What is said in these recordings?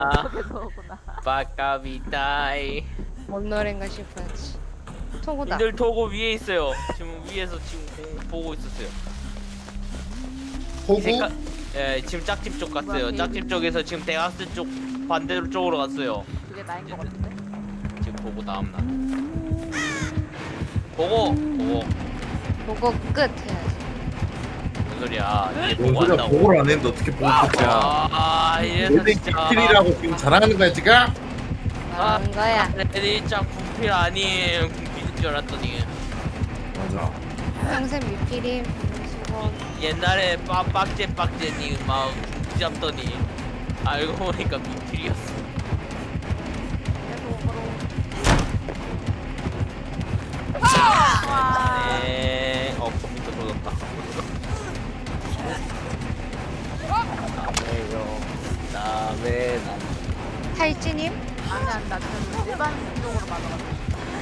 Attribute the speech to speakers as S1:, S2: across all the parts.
S1: 그거구나.
S2: 빠까비다이.
S3: 뭔 노래인가 싶었지. 토고다.
S2: 님들 도구 위에 있어요. 지금 위에서 지금 보고 있었어요.
S4: 호구?
S2: 색깔, 예, 지금 짝집 쪽 갔어요.
S1: 뭐야,
S2: 짝집 쪽에서 지금 대학생 쪽 반대로 쪽으로 갔어요.
S1: 그게 나인 것 같은데?
S2: 지금 보고 다음 날. 보고.
S3: 보고 끝 해야지.
S2: 무슨 소리야? 이제
S4: 뭔
S2: 보고
S4: 소리야,
S2: 한다고.
S4: 보고를 안 했는데 어떻게 보고 끝이야.
S2: 이래서
S4: 너네
S2: 진짜.
S4: 비킬이라고 지금 자랑하는 거야 지금?
S3: 말하는 거야.
S2: 애들이 짱 군필 아니에요. 군필인 줄 알았더니
S4: 맞아.
S3: 평생 미필임. 수고.
S2: 옛날에 빡제님 막 잡더니 알고 보니까 미필이었어. 네. 컴퓨터 터졌다. 남의
S3: 탈진임?
S1: 아니, 나 지금 일반적으로 맞아가지고.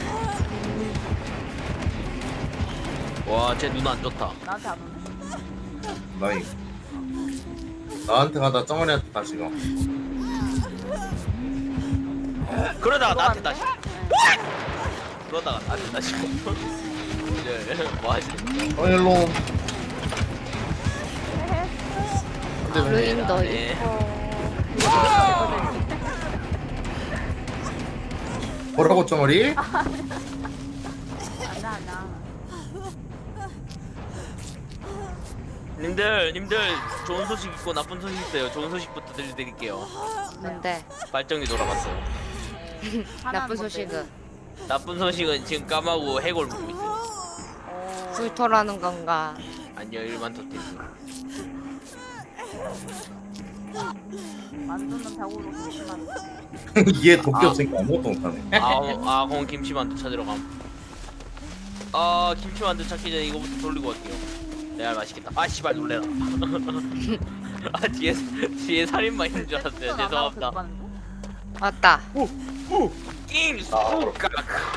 S2: 와, 쟤 눈 안 좋다.
S1: 나한테 안 오네.
S4: 나이. 나한테 가다 정원이한테 다시 가.
S2: 그러다가 나한테 다시.
S1: 네.
S2: 그러다가 나한테 다시. 이제 뭐 하지?
S4: 일로. 근데 왜
S3: 루인도
S2: 네.
S3: 있고.
S4: 뭐라고 정원이?
S1: 아니야.
S2: 님들 좋은 소식 있고 나쁜 소식 있어요. 좋은 소식부터 들려드릴게요.
S3: 뭔데?
S2: 발정이 돌아갔어요.
S3: 나쁜 소식은
S2: 나쁜 소식은 지금 까마고 해골 먹고 있어요.
S3: 불토라는 건가?
S2: 아니요, 일반 토테스.
S1: 만두는 배고로 조심하는.
S4: 얘 도끼 없으니까 아무것도 못하네.
S2: 그럼 김치만두 찾으러 감. 김치만두 찾기 전에 이거부터 돌리고 갈게요. 내가 맛있겠다. 아, 씨발 놀래라. 뒤에 살인마 있는 줄 알았어요. 죄송합니다.
S3: 왔다.
S2: 잉! 쑥깍!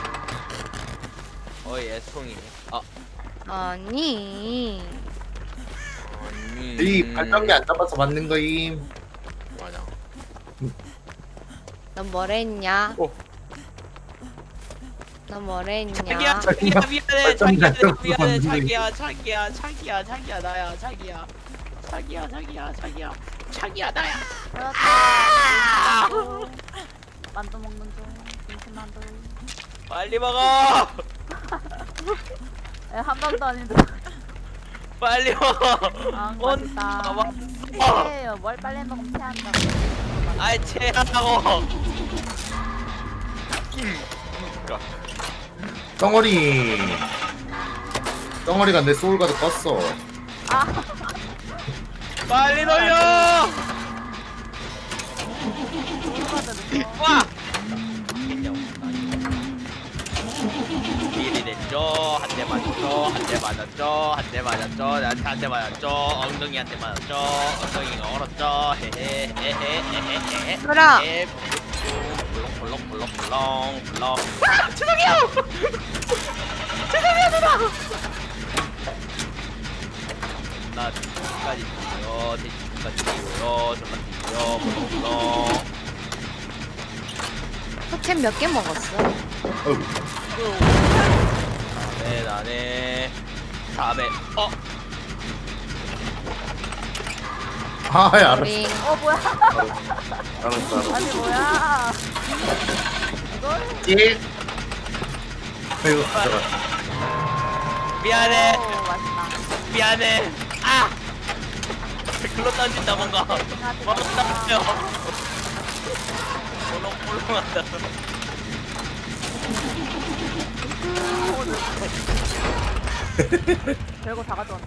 S2: 예, 송이.
S3: 아니.
S4: 이 발전기 안 잡아서 맞는 거임.
S2: 맞아.
S3: 넌 뭐랬냐?
S4: 어.
S3: 넌 뭐랬냐?
S2: 자기야 미안해.
S4: 발전기 안
S2: 자기야
S4: 잡아서
S2: 미안해.
S4: 맞는
S2: 자기야 나야. 자기야 나야.
S1: 만두 먹는 중. 김치만두.
S2: 빨리 먹어.
S1: 한 번도 아닌데.
S2: 빨리 먹어.
S1: 맛있다.
S2: 왔어.
S1: 해요. 뭘 빨리 먹으면 체한다고.
S2: 아이 체하다고.
S4: 덩어리가 내 소울가드 껐어.
S2: 빨리 돌려. 와. 미리 됐죠. 한 대 맞았죠. 나한테 한 대 맞았죠. 엉덩이한테 맞았죠. 엉덩이가 얼었죠. 헤헤헤헤헤헤헤.
S3: 그럼.
S2: 볼렁. 죄송해요. 누나. 나 뒤까지 뛰고요. 뒤까지 뛰고요. 저만 뛰고요. 볼렁.
S3: 포켓 몇 개 먹었어?
S2: 나네. 다음에
S4: 알았어.
S3: 우리
S1: 뭐야?
S4: 알았어.
S1: 아니, 뭐야?
S4: 예. 아이고, 들어가.
S2: 미안해.
S1: 맛있다.
S2: 미안해. 글로 던진다 뭔가. 던져요. 볼렁한다.
S1: 별거 다 가져왔네.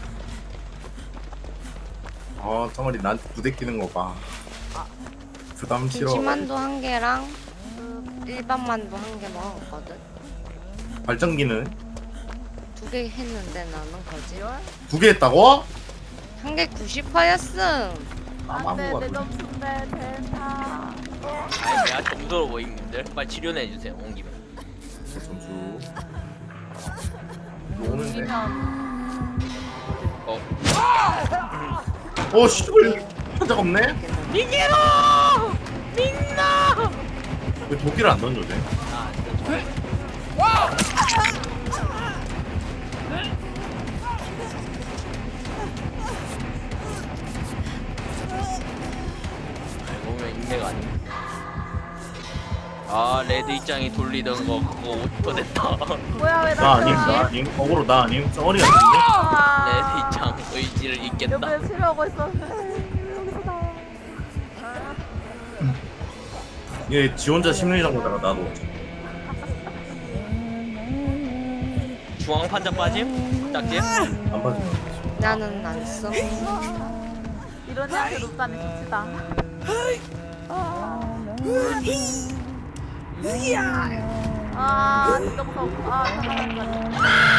S4: 덩어리 나한테 부대끼는 거 봐. 부담 싫어.
S3: 김치만두 한 개랑 일반 만두 한 개 먹었거든.
S4: 발전기는
S3: 두 개 했는데 나는 거지.
S4: 두 개 했다고?
S3: 한 개 90%였음.
S1: 안돼,
S4: 아무거나.
S1: 내 점수인데 델타.
S2: 내가 점수로 보이는데 빨리 치료해 주세요. 온 김에.
S4: 점수. 오는데.
S1: 이기면
S4: 씨발. 한적 없네.
S2: 이게로.
S4: 왜 도끼를 안 던져도 돼?
S2: 아, 그 알고 보면 인내가 아니야. 아, 레드 입장이 돌리던 거 그거 50% 됐다.
S1: 뭐야 왜
S4: 나 아님?
S1: 나
S4: 나 아님? 어그로 나 아님? 덩어리 같은데?
S2: 레드 입장 의지를 잊겠다.
S1: 옆에 치료하고 있었는데 여기서 나와.
S4: 얘 지 혼자 심리장 보다가 나도
S2: 중앙 판자 빠짐? 짝집?
S4: 안 봐줘.
S3: 나는 안 써.
S1: 이런 애한테 높다니 좋지다. 아 진짜 무서워. 아 잠깐만.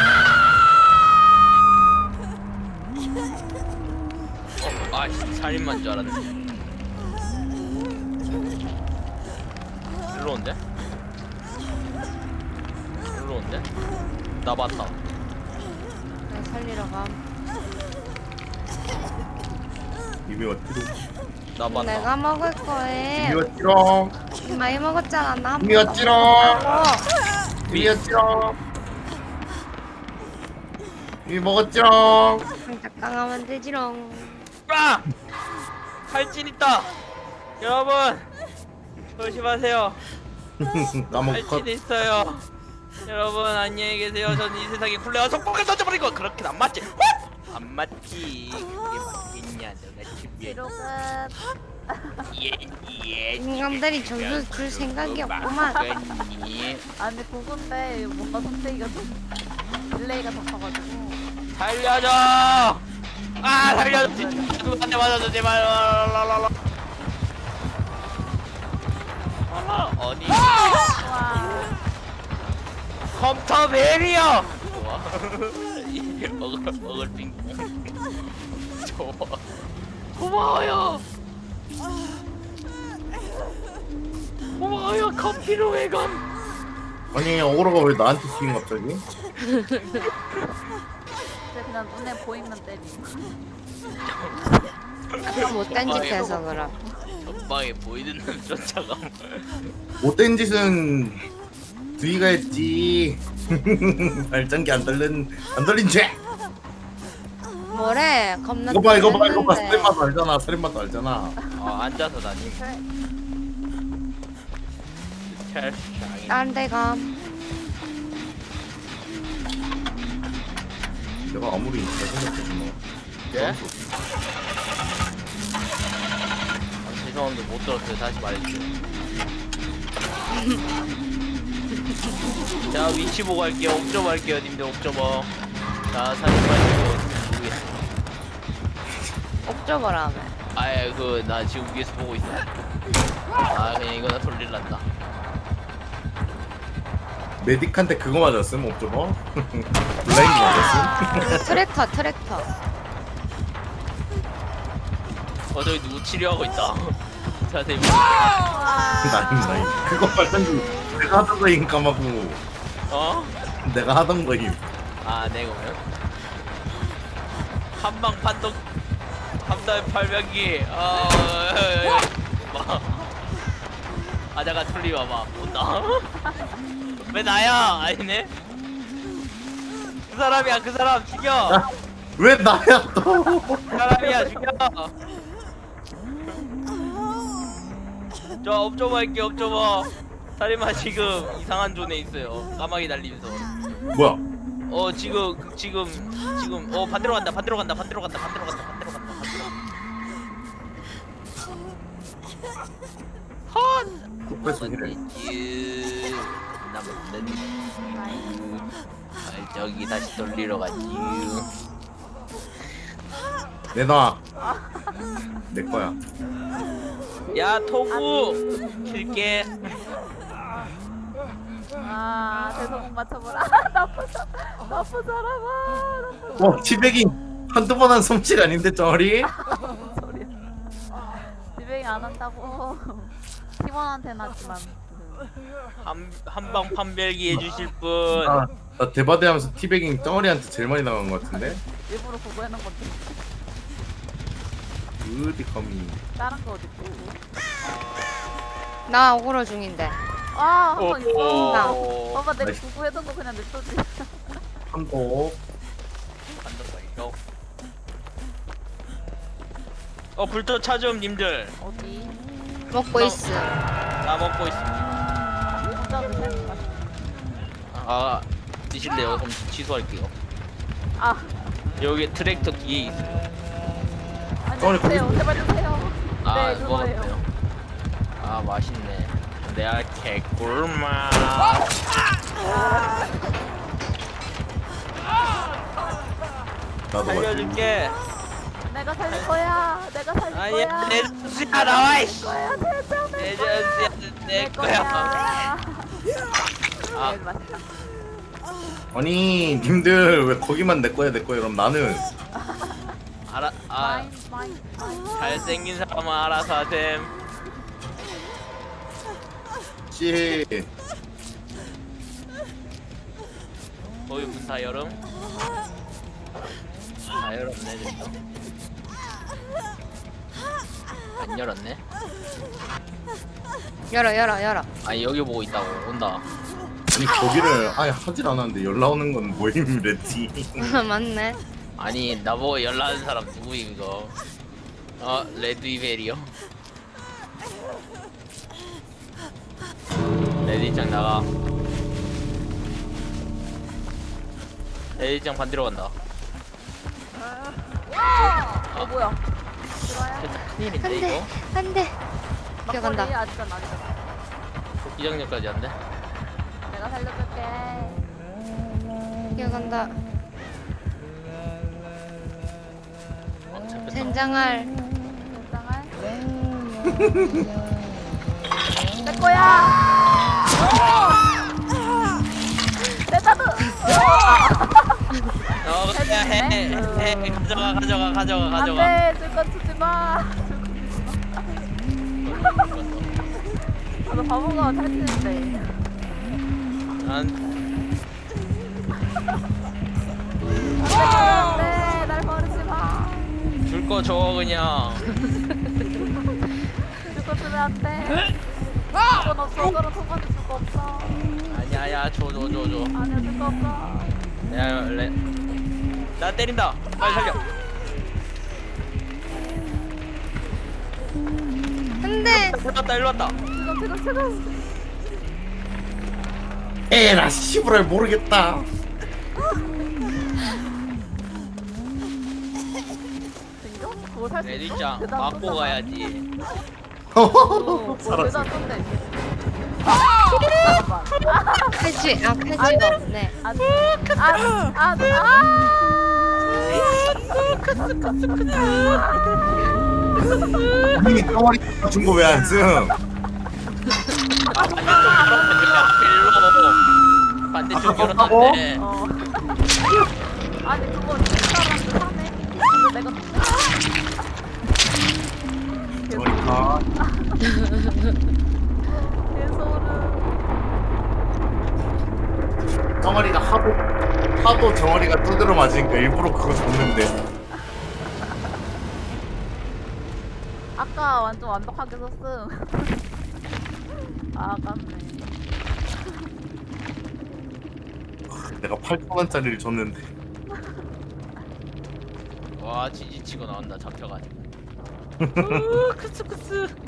S2: 아, 살인만 줄 알았네. 일로 온대? 일로 온대? 나 봤다.
S3: 나 살리러 가.
S4: 이미와 띠롱.
S2: 나 봤다.
S3: 내가 먹을 거에
S4: 이미와 띠롱.
S3: 많이 먹었잖아. 나한
S4: 이미와
S3: 번도
S4: 띠롱.
S3: 먹었다고.
S4: 이미와 띠롱. 이미 먹었지롱.
S3: 장작당하면 되지롱.
S2: 아! 칼진 있다. 여러분 조심하세요.
S4: 까먹 컷.
S2: 칼진 있어요. 여러분 안녕히 계세요. 전 이 세상에 굴레와 속박을 던져버리고 그렇게 안 맞지? 안 맞지. 그게 맞겠냐? 너가 준비해.
S1: 뒤로 끝.
S2: 예.
S3: 인간들이 점수 줄 생각이 없구만.
S2: 없구만.
S1: 아니 그건데 뭔가 선택이가 좀 딜레이가 더 커가지고.
S2: 살려줘! 아 살려줘! 진짜 누구한테 맞아줘 제발. 랄랄랄라. 어디?
S1: 와.
S2: 컴퓨터 베리어! 좋아. 먹을 빙봉. 좋아. 고마워요. 고마워요 커피로 외관.
S4: 아니 어그로가 왜 나한테 튀긴 갑자기?
S1: 이제 그냥 눈에 보이면 때리.
S3: 아까 못된 짓 해서 그럼.
S2: 전방에 보이는 놈 쫓아가.
S4: 못된 짓은 두이가 했지. 발전기 안 돌린 죄.
S3: 뭐래? 겁나
S4: 이거 봐
S3: 했는데.
S4: 살인마도 알잖아. 살인마도 알잖아.
S2: 앉아서 다님.
S3: 딴 데 가.
S4: 내가 아무리 잘 생각해도
S2: 예? 죄송한데 못 들었어요. 다시 말해주세요. 자 위치 보고 할게요. 옵저버 할게요. 님들 옵저버. 자 사진 말고 모르겠어.
S3: 옥저버라며.
S2: 아예 그 나 지금 위에서 보고 있어. 아 그냥 이거 나 돌릴란다.
S4: 메딕한테 그거 맞았음 옵저버. 블라인드 맞았음.
S3: 트랙터.
S2: 저기 누구 치료하고 있다. 자세히
S4: 나임. 그거 발전기 내가 하던 거임 까먹고.
S2: 어?
S4: 내가 하던 거임.
S2: 아 내가 한방 판독 함다의 팔명기. 아자가 틀리 봐봐 온다. 왜 나야? 아니네. 그 사람이야. 그 사람 죽여.
S4: 야, 왜 나야 또?
S2: 그 사람이야 죽여. 저 옵저버 할게. 옵저버. 살인마 지금 이상한 존에 있어요. 까마귀 날리면서.
S4: 뭐야?
S2: 지금 반대로 간다. 헛.
S4: 뚝배소 이래.
S2: 남는 저기 다시 돌리러 가지.
S4: 내놔. 내 거야.
S2: 야 토구 킬게.
S1: 아 대성 맞춰보라. 나쁜 사람아. 나쁜
S4: 티백이 한두 번 한 솜씨가 아닌데 쩌리?
S1: 소리야. 지뱅이 안 한다고. 팀원한테는 하지만.
S2: 한방 판별기 해주실 분.
S4: 나 대바대하면서 티백이 쩌리한테 제일 많이 나간 것 같은데?
S1: 일부러 그거 해놓은 건데.
S4: 어디 감히.
S1: 다른 거 어딨고.
S3: 나 억울어 중인데.
S1: 아, 한 번 있어.
S2: 오.
S1: 봐봐, 내가
S4: 나이스.
S1: 구구해둔 거 그냥 냅두지.
S4: 한복.
S2: 간다 이거. 불도 차좀 님들.
S1: 어디?
S3: 먹고 있어.
S2: 나 먹고 있습니다.
S1: 혼자 드세요.
S2: 아 드실래요? 그럼 취소할게요.
S1: 아,
S2: 여기 트랙터 뒤에 있어요.
S1: 아니,
S4: 덩어리
S1: 드세요. 제발 드세요.
S2: 아
S1: 네, 그거예요.
S2: 먹었네요. 아 맛있네. 내가 개꿀맛.
S4: 나도 맛있.
S2: 살려줄게.
S1: 내가 살릴 거야. 내가 살릴
S2: 아니야
S1: 거야.
S2: 내 전수야 나와 이씨.
S1: 거야, 대장.
S2: 내 전수야 내 거야. 아.
S1: 네, 맞다.
S4: 아니 님들 왜 거기만 내 거야 그럼 나는
S2: 알아.
S1: 마인, 마인, 마인.
S2: 잘생긴 사람은 알아서 하셈.
S4: 씨.
S2: 거기 문 다 열음. 다 열었네 됐어. 안 열었네.
S3: 열어.
S2: 아니 여기 보고 있다고 온다.
S4: 아니 거기를 아예 하질 않았는데 연락 오는 건 모임 레티.
S3: 맞네.
S2: 아니 나보고 연락하는 사람 누구임 이거? 레드이벨이요. 레드이장 나가. 레드이장 반대로 간다.
S1: 뭐야? 들어야?
S2: 진짜 큰일인데
S3: 안 돼.
S2: 이거?
S3: 안 돼. 뛰어간다.
S1: 막걸리 아직은 아니다.
S2: 도끼장렬까지 안 돼?
S1: 내가 살려줄게.
S3: 뛰어간다.
S2: 잡혔다.
S3: 젠장할.
S1: 괜찮아? 내 거야. 내 나도.
S2: 그냥 해. 가져가.
S1: 안돼, 줄건 주지 마. 나도 바보가 탈출했는데. 안돼, 날 버리지 마.
S2: 줄거 줘 그냥.
S1: 줄거 주면 안돼. 줄건 없어. 너는 통과도 줄거 없어.
S2: 아니야 줘.
S1: 아니야, 줄거 없어.
S2: 야 나 때린다. 빨리 살려.
S3: 안 돼.
S2: 일로 왔다.
S1: 지금.
S4: 에라 씨부랄 모르겠다.
S1: 진짜? 그거 살수 있어?
S2: 레드장
S1: 대단
S2: 맞고
S1: 쏜다.
S2: 가야지.
S4: 살았어.
S1: 대단 쏜대. 잠깐만.
S3: 칼쥐가 없네.
S4: 님이 덩어리 준 거 왜 안 쓴?
S2: 반대쪽 열었는데.
S1: 아니 그거 사람들 사네. 이거 내가
S4: 덩어리 가.
S1: 개소름.
S4: 덩어리가 하도 덩어리가 두드러 맞으니까 일부러 그거 줬는데.
S1: 아까 완전 완벽하게 썼음. 아깝네.
S4: 내가 8,000원짜리를 줬는데.
S2: 와 지지치고 나온다 잡혀가지고. 크스크스.